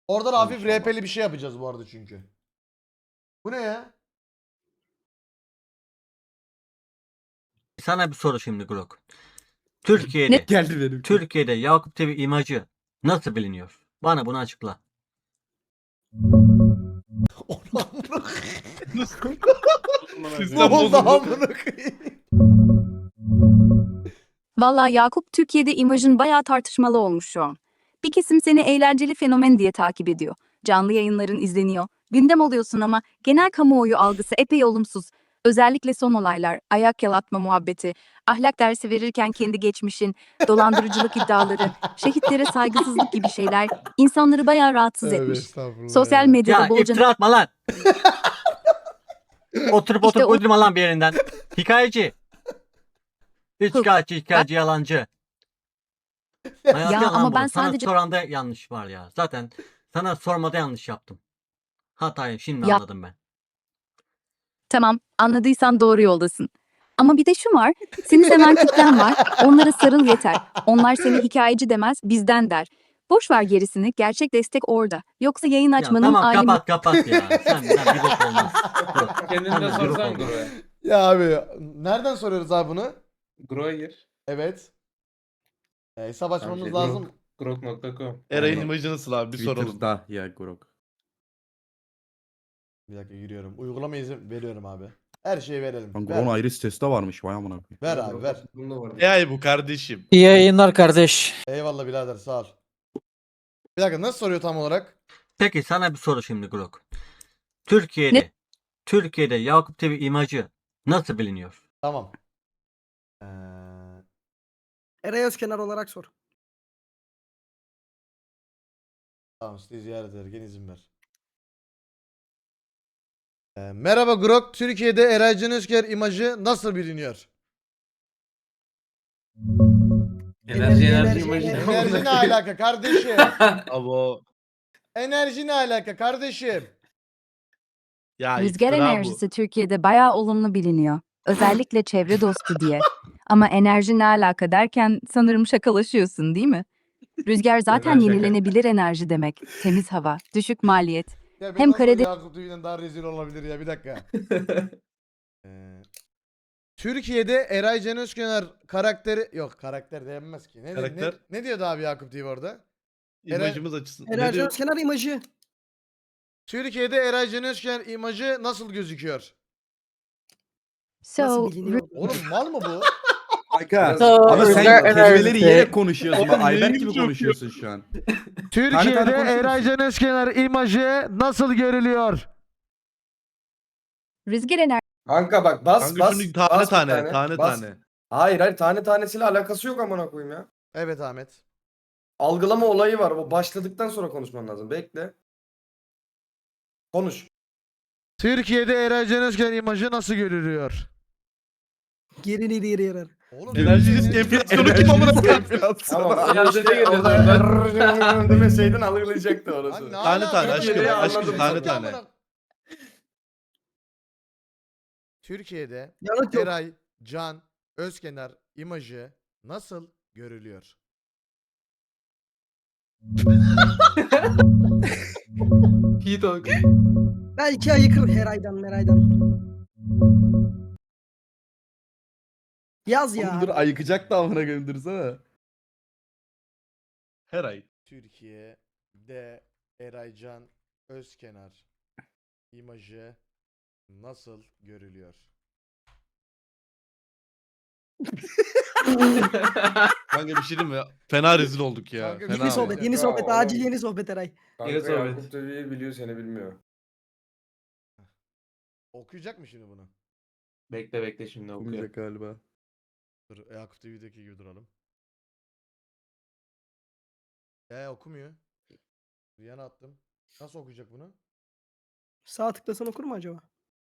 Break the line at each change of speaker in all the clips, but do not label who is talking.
Orada da hafif
İnşallah.
RP'li bir şey yapacağız bu arada çünkü. Bu ne ya?
Sana bir soru şimdi Grok.
Ne?
Türkiye'de
Geldi benimki.
Türkiye'de Yakup TV imajı nasıl biliniyor? Bana bunu açıkla.
Onu amına koyayım. Ne
Sistem
oldu
bozuldu.
amına koyayım?
Valla Yakup Türkiye'de imajın bayağı tartışmalı olmuş şu an. Bir kesim seni eğlenceli fenomen diye takip ediyor. Canlı yayınların izleniyor. Gündem oluyorsun ama genel kamuoyu algısı epey olumsuz. Özellikle son olaylar, ayak yalatma muhabbeti, ahlak dersi verirken kendi geçmişin, dolandırıcılık iddiaları, şehitlere saygısızlık gibi şeyler insanları bayağı rahatsız
Tövbe
etmiş.
estağfurullah
Sosyal
ya.
medyada
Ya
bolca
iftira atma lan. Oturup
İşte o-
uydurma lan bir yerinden. Hikayeci. Hikayeci yalancı. Hayatı
Ya
yalan
ama
bu.
ben
Sana
sadece
soranda yanlış var ya. Zaten sana sormada yanlış yaptım. Hatayı şimdi
Ya-
anladım ben.
tamam, anladıysan doğru yoldasın. Ama bir de şu var, seni seven kitlen var, onlara sarıl yeter. Onlar seni hikayeci demez, bizden der. Boş ver gerisini, gerçek destek orada. Yoksa yayın
Ya
açmanın
tamam
alemi...
kapat ya. Sen bir bok olmaz. Dur.
Kendini de
Senden bir bok
sorsan
olmaz.
Gro'ya.
Ya abi nereden soruyoruz abi bunu?
Gro'ya gir.
Evet. Hesap açmamız
Şey,
lazım.
Grok.com.
Eray'ın
Aynen.
imajı nasıl abi? Bir soralım.
Twitter'da ya Grok.
Bir dakika giriyorum. Uygulama izin veriyorum abi. Her şeyi verelim.
Lan
Ver.
Grok'un ayrı sitesi de varmış. Vay amına koyayım.
Ver abi ver.
Bunda var.
AI bu kardeşim.
İyi yayınlar kardeş.
Eyvallah birader sağ ol. Bir dakika nasıl soruyor tam olarak?
Peki sana bir soru şimdi Grok. Türkiye'de Yakup TV imajı nasıl biliniyor?
Tamam.
Eray Özkenar olarak sor.
Tamam sizi ziyaret ederken izin ver. Merhaba Grok. Türkiye'de Eray Can Özker imajı nasıl biliniyor?
Enerji
Enerji.
Enerji ne alaka kardeşim?
Abo.
Enerji ne alaka kardeşim?
Ya
Rüzgar
iftira bu.
enerjisi Türkiye'de bayağı olumlu biliniyor. Özellikle çevre dostu diye. Ama enerji ne alaka derken sanırım şakalaşıyorsun değil mi? Rüzgar zaten
Neden şaka?
yenilenebilir enerji demek. Temiz hava, düşük maliyet.
Ya ben
Hem
nasıl
Karadeniz-
Yakup TV'den daha rezil olabilir ya bir dakika. Türkiye'de Eray Can Özkenar karakteri yok karakter denmez ki.
Karakter?
Ne diyordu abi Yakup TV orada?
İmajımız açısından.
Eray
Ne diyor?
Özkenar imajı.
Türkiye'de Eray Can Özkenar imajı nasıl gözüküyor?
Nasıl
So,
biliniyor?
Oğlum mal mı bu?
Kanka.
So,
Abi sen
Rüzgar
kelimeleri
enerjisi.
yiyerek konuşuyorsun.
Oğlum,
Bak, Ayberk
neyin
gibi
çok
konuşuyorsun şu an.
Türkiye'de
konuşur
Eray
musun?
Can Özkenar imajı nasıl görülüyor?
rüzgar enerjisi
Kanka bak bas
Kanka
bas.
şunu tane
bas bir
tane. Tane
bas.
tane.
Hayır tane tanesiyle alakası yok amına koyayım ya.
Evet Ahmet.
Algılama olayı var. O başladıktan sonra konuşman lazım. Bekle. Konuş.
Türkiye'de Eray Can Özkenar imajı nasıl görülüyor?
Geri geri yarar.
Oğlum
Enerji risk enflasyonu kim amına koyayım?
Tamam.
Enerji
işte
değil,
orada demeseydin algılayacaktı orası.
Lan ne
Tane
alaka
tane
ya?
aşkım,
Türkiye'de
aşkım,
anladım.
tane
Yok ya
tane.
amına- Türkiye'de
Yanıt yok.
Eray Can Özkenar imajı nasıl görülüyor?
P-Talk.
Belki ayıkır Heray'dan Meray'dan. Yaz ya.
Oğlum dur ayıkacak da amına koyayım dursana.
Her ay.
Türkiye'de Eray Can Özkenar imajı nasıl görülüyor?
Kanka bir şey diyeyim mi? Fena rezil olduk ya.
Kanka,
Fena
Yeni
ama.
sohbet, yeni sohbet.
Ya,
Acil
oğlum.
yeni sohbet Eray.
Kanka
Yine sohbet.
Yakup TV biliyor seni bilmiyor.
Okuyacak mı şimdi bunu?
Bekle şimdi okuyor.
Olmayacak galiba.
Dur Yakup TV'deki gibi duralım. Okumuyor. Yana attım. Nasıl okuyacak bunu?
Sağ tıklasan okur mu acaba?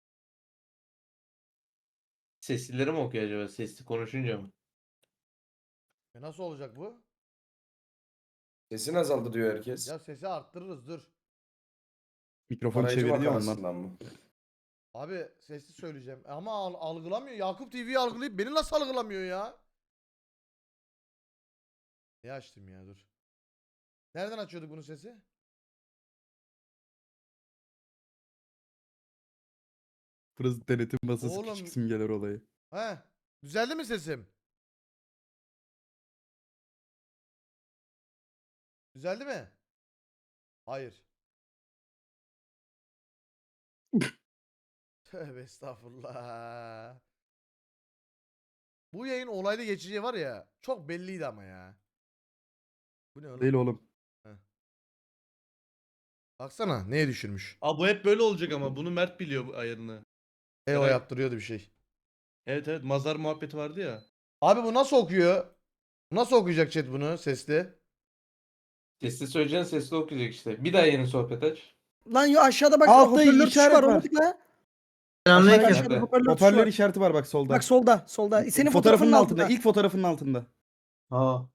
Seslileri mi okuyor acaba? Sesli konuşunca mı?
Nasıl olacak bu?
Sesin azaldı diyor herkes.
Ya sesi arttırırız dur.
Mikrofon
Arayıcı
çeviriyor onlar.
makarasından mı?
Abi sesli söyleyeceğim. Ama algılamıyor. Yakup TV'yi algılayıp beni nasıl algılamıyor ya? Ne açtım ya dur. Nereden açıyorduk bunun sesi?
Burası denetim masası
Oğlum.
küçük simgeler olayı.
He. Düzeldi mi sesim? Düzeldi mi? Hayır. Tövbe estağfurullah. Bu yayın olaylı geçeceği var ya. Çok belliydi ama ya. Bu ne oğlum?
Değil oğlum.
Baksana neye düşürmüş.
Abi bu hep böyle olacak ama bunu Mert biliyor bu ayarını.
O
Eray-
yaptırıyordu bir şey.
Evet evet mazar muhabbeti vardı ya.
Abi bu nasıl okuyor? Nasıl okuyacak chat bunu sesli?
Sesli söyleyeceksin, sesli okuyacak işte. Bir daha yeni sohbet aç.
Lan yo aşağıda bak
Altta
hoparlör tuşu
işaret
var
var.
onu tıkla.
Selamünaleyküm.
Aşağıda hoparlör tuşu
Hoparlör
var.
işareti var bak solda.
Bak solda solda. Senin
fotoğrafının altında.
altında.
İlk fotoğrafının altında.
Ha.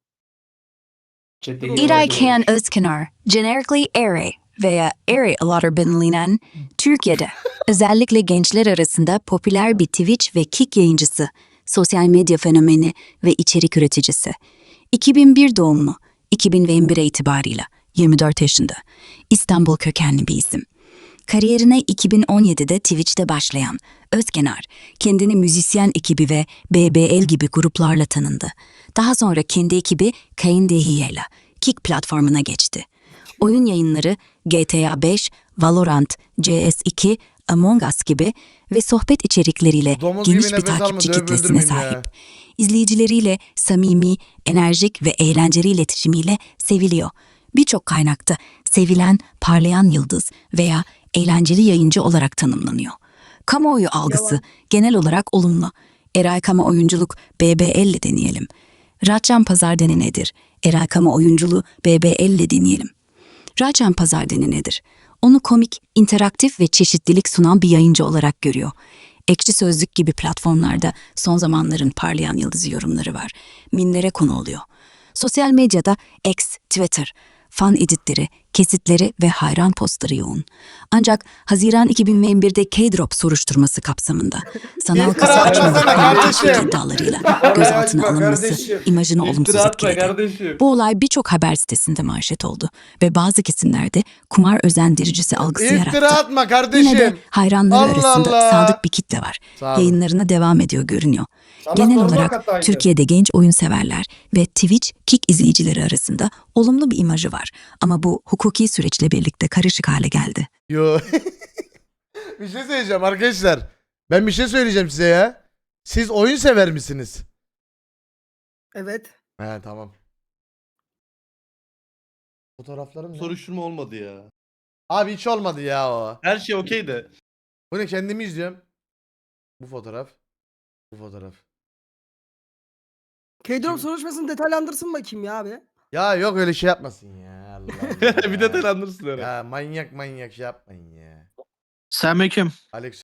Chat'te
Dur,
yeni
İray
olay
Ken
olmuş.
Özkenar, genellikle Ere veya Ere olarak bilinen Türkiye'de özellikle gençler arasında popüler bir Twitch ve Kick yayıncısı, sosyal medya fenomeni ve içerik üreticisi. 2001 doğumlu, 2001'e itibarıyla 24 yaşında, İstanbul kökenli bir isim. Kariyerine 2017'de Twitch'te başlayan Özkenar, kendini müzisyen ekibi ve BBL gibi gruplarla tanındı. Daha sonra kendi ekibi Kain Dehiye'yle Kick platformuna geçti. Oyun yayınları GTA 5, Valorant, CS2, Among Us gibi ve sohbet içerikleriyle
Domuz
geniş
gibi
bir
nefes
takipçi
alma, dövüp
kitlesine
öldürmeyin ya.
sahip. İzleyicileriyle samimi, enerjik ve eğlenceli iletişimiyle seviliyor. Birçok kaynakta sevilen, parlayan yıldız veya eğlenceli yayıncı olarak tanımlanıyor. Kamuoyu algısı
Yalan.
genel olarak olumlu. Eray Kama oyunculuk BBL'le deneyelim. Raçan Pazardeni nedir? Eray Kama oyunculuğu BBL'le deneyelim. Raçan Pazardeni nedir? Onu komik, interaktif ve çeşitlilik sunan bir yayıncı olarak görüyor. Ekşi Sözlük gibi platformlarda son zamanların parlayan yıldızı yorumları var. Minlere konu oluyor. Sosyal medyada X, Twitter, fan editleri, kesitleri ve hayran postları yoğun. Ancak Haziran 2021'de K-Drop soruşturması kapsamında sanal
İftira
kasa açma
atmasana
ve
kardeşim.
iddialarıyla
Oraya
gözaltına
açma
alınması
kardeşim.
imajını olumsuz
İftira atma
etkiledi.
kardeşim.
Bu olay birçok haber sitesinde manşet oldu ve bazı kesimlerde kumar özendiricisi algısı
İftira
yarattı.
atma
Yine de
kardeşim.
hayranları
Allah
arasında
Allah.
sadık bir kitle var.
Sağ olun.
Yayınlarına devam ediyor görünüyor.
Sana
Genel
sormak
olarak
hataydı.
Türkiye'de genç oyun severler ve Twitch, Kick izleyicileri arasında olumlu bir imajı var. Ama bu hukuki süreçle birlikte karışık hale geldi.
Yo. Bir şey söyleyeceğim arkadaşlar. Ben bir şey söyleyeceğim size ya. Siz oyun sever misiniz?
Evet.
He tamam. Fotoğraflarım ne?
Soruşturma olmadı ya.
Abi hiç olmadı ya o.
Her şey okey de.
Bu ne, kendimi izliyorum. Bu fotoğraf. Bu fotoğraf.
K-Drop soruşturmasını detaylandırsın bakayım ya abi.
Ya yok öyle şey yapmasın ya. Allah Allah.
Bir de telandırsın öyle.
Ya manyak manyak şey yapmayın ya.
Selamünaleyküm.
Alex